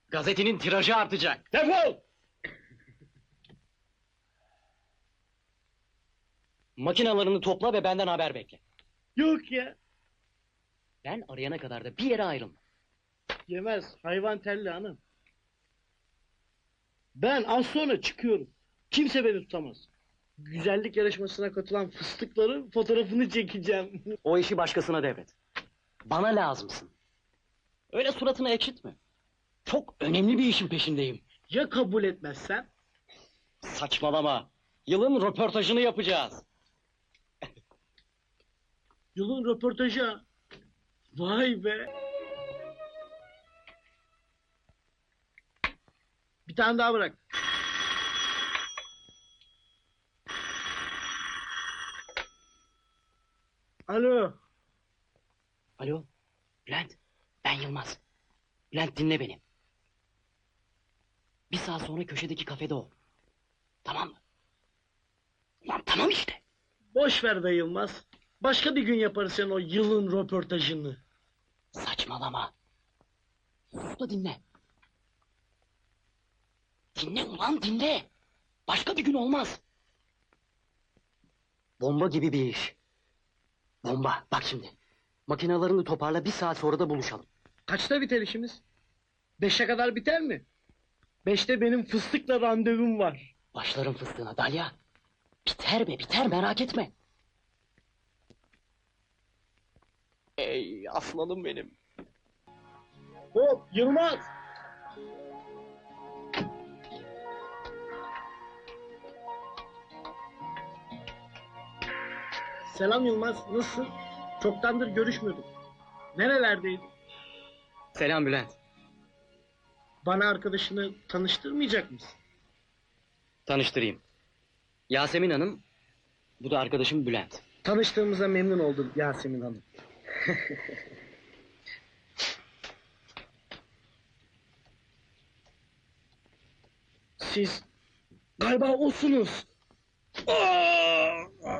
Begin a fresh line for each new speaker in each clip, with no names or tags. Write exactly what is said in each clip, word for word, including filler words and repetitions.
Gazetenin tirajı artacak.
Defol!
Makinalarını topla ve benden haber bekle.
Yok ya.
Ben arayana kadar da bir yere ayrılma.
Yemez. Hayvan telli hanım. Ben az sonra çıkıyorum. Kimse beni tutamaz. Güzellik yarışmasına katılan fıstıkların fotoğrafını çekeceğim.
O işi başkasına devret. Bana lazımsın. Öyle suratını ekşitme. Çok önemli bir işin peşindeyim.
Ya kabul etmezsen?
Saçmalama. Yılın röportajını yapacağız.
Yılın röportajı ha. Vay be. Bir tane daha bırak. Alo.
Alo, Bülent. Ben Yılmaz. Bülent dinle beni. Bir saat sonra köşedeki kafede ol. Tamam mı? Lan tamam işte.
Boş ver be Yılmaz. Başka bir gün yaparız sen o yılın röportajını.
Saçmalama. Sus da dinle. Dinle ulan dinle. Başka bir gün olmaz. Bomba gibi bir iş. Bomba. Bak şimdi. Makinalarını toparla, bir saat sonra da buluşalım.
Kaçta biter işimiz? Beşe kadar biter mi? Beşte benim fıstıkla randevum var.
Başlarım fıstığına Dalya. Biter be biter, merak etme. Ey aslanım benim.
Hop Yılmaz! Selam Yılmaz, nasılsın? Çoktandır görüşmüyorduk. Nerelerdeydin?
Selam Bülent.
Bana arkadaşını tanıştırmayacak mısın?
Tanıştırayım. Yasemin Hanım, bu da arkadaşım Bülent.
Tanıştığımıza memnun oldum Yasemin Hanım. Siz galiba osunuz. Aa!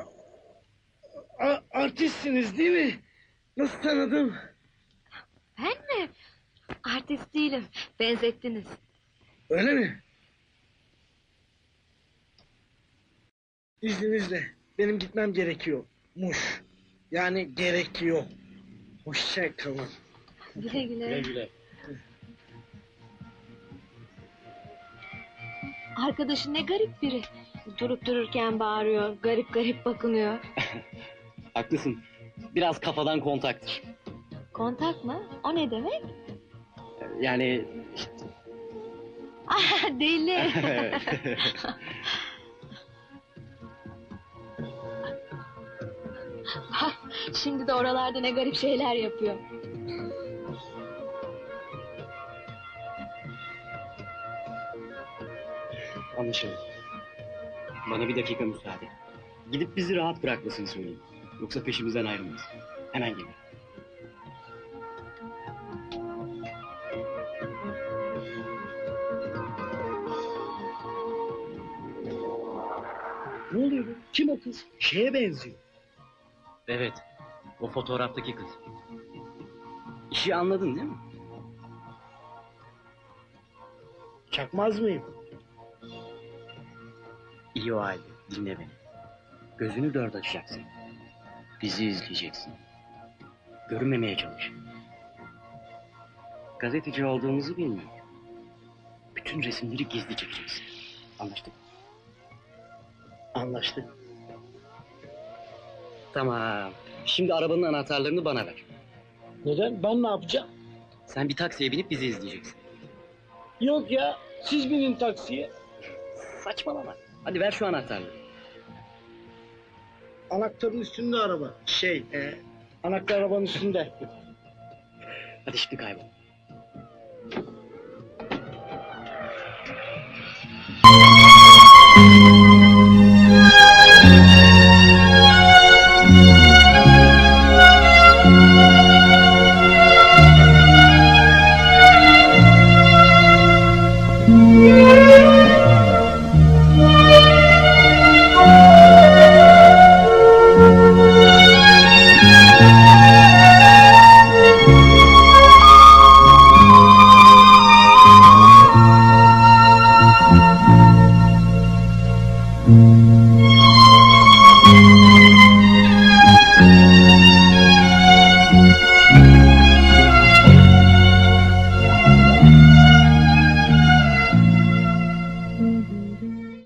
A- artistsiniz değil mi? Nasıl tanıdım?
Ben mi? Artist değilim. Benzettiniz.
Öyle mi? İzninizle benim gitmem gerekiyormuş. Yani gerekiyor. Hoşça kalın.
Güle güle.
güle.
Arkadaşın ne garip biri. Durup dururken bağırıyor. Garip garip bakınıyor.
Haklısın. Biraz kafadan kontaktır.
Kontak mı? O ne demek?
Yani...
Ah deli. Şimdi de oralarda ne garip şeyler yapıyor.
Anlaşıldı. Bana bir dakika müsaade. Gidip bizi rahat bırakmasını söyleyeyim. Yoksa peşimizden ayrılmaz. Hemen gelir.
Ne oluyor be? Kim o kız? Şeye benziyor.
Evet. O fotoğraftaki kız. İşi anladın değil mi?
Çakmaz mıyım?
İyi o halde. Dinle beni. Gözünü dört açacaksın. Bizi izleyeceksin. Görünmemeye çalış. Gazeteci olduğumuzu bilmiyor. Bütün resimleri gizli çekeceksin. Anlaştık.
Anlaştık.
Tamam. Şimdi arabanın anahtarlarını bana ver.
Neden? Ben ne yapacağım?
Sen bir taksiye binip bizi izleyeceksin.
Yok ya, siz binin taksiye.
Saçmalama. Hadi ver şu anahtarları.
Anahtarın üstünde araba. Şey, e, anahtar arabanın üstünde.
Hadi şimdi kaybol.